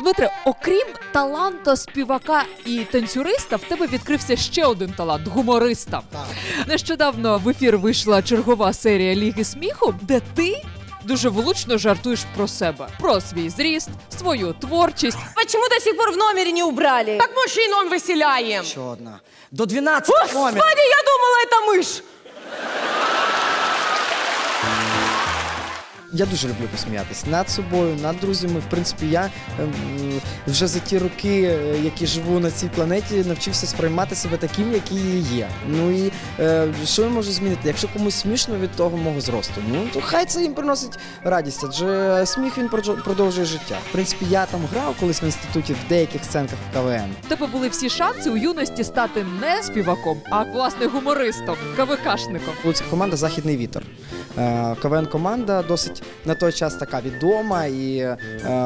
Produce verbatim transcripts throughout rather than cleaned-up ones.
Дмитре, окрім таланта співака і танцюриста, в тебе відкрився ще один талант – гумориста. Так. Нещодавно в ефір вийшла чергова серія Ліги сміху, де ти дуже влучно жартуєш про себе, про свій зріст, свою творчість. Почему до сих пор в номере не убрали? Так мужчин он выселяем. Ще одна. До дванадцяти номер. Господи, я думала, это мышь. Я дуже люблю посміятися над собою, над друзями. В принципі, я ем, вже за ті роки, е, які живу на цій планеті, навчився сприймати себе таким, який я є. Ну і е, що я можу змінити? Якщо комусь смішно від того мого зросту, ну то хай це їм приносить радість, адже сміх він продж- продовжує життя. В принципі, я там грав колись в інституті в деяких сценках в КВН. У тебе були всі шанси у юності стати не співаком, а власне гумористом, КВКшником. Луцька команда «Західний вітер». Е, КВН-команда досить на той час така відома і е,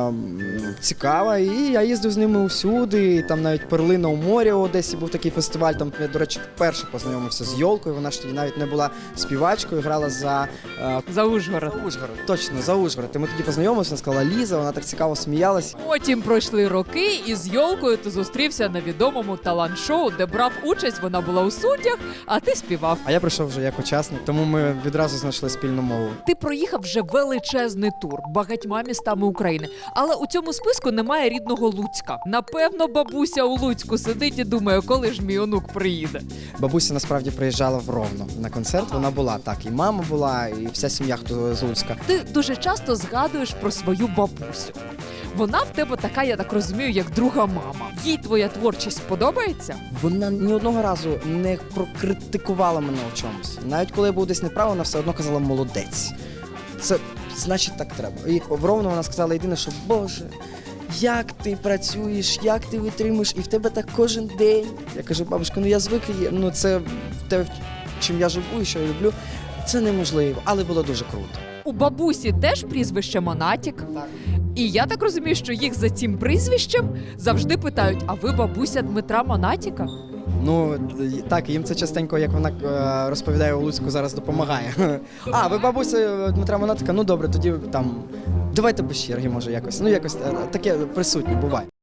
цікава. І я їздив з ними усюди. І там навіть «Перлина у морі» у Одесі був такий фестиваль. Там я, до речі, вперше познайомився з Йолкою. Вона ж тоді навіть не була співачкою, грала за е, За Ужгород. Ужгород. Точно, за Ужгород. І ми тоді познайомилися, вона сказала Ліза, вона так цікаво сміялась. Потім пройшли роки, і з Йолкою ти зустрівся на відомому талант-шоу, де брав участь, вона була у суддях, а ти співав. А я прийшов вже як учасник, тому ми відразу знайшли спільну мову. Ти проїхав вже величезний тур багатьма містами України, але у цьому списку немає рідного Луцька. Напевно, бабуся у Луцьку сидить і думає, коли ж мій онук приїде. Бабуся насправді приїжджала в Ровно на концерт, вона була так, і мама була, і вся сім'я, хто з Луцька. Ти дуже часто згадуєш про свою бабусю. Вона в тебе така, я так розумію, як друга мама. Їй твоя творчість подобається? Вона ні одного разу не прокритикувала мене у чомусь. Навіть коли я був десь неправ, вона все одно казала «молодець». Це значить так треба. І в Ровно вона сказала єдине, що «Боже, як ти працюєш, як ти витримуєш, і в тебе так кожен день». Я кажу, бабушка, ну я звик, і- ну це те, чим я живу і що я люблю, це неможливо, але було дуже круто. У бабусі теж прізвище Монатік. Так. І я так розумію, що їх за цим прізвищем завжди питають, а ви бабуся Дмитра Монатіка? Ну, так, їм це частенько, як вона е, розповідає у Луцьку, зараз допомагає. А, ви бабуся Дмитра Монатика? Ну добре, тоді там, давайте без черги, може, якось. Ну, якось е, таке присутнє буває.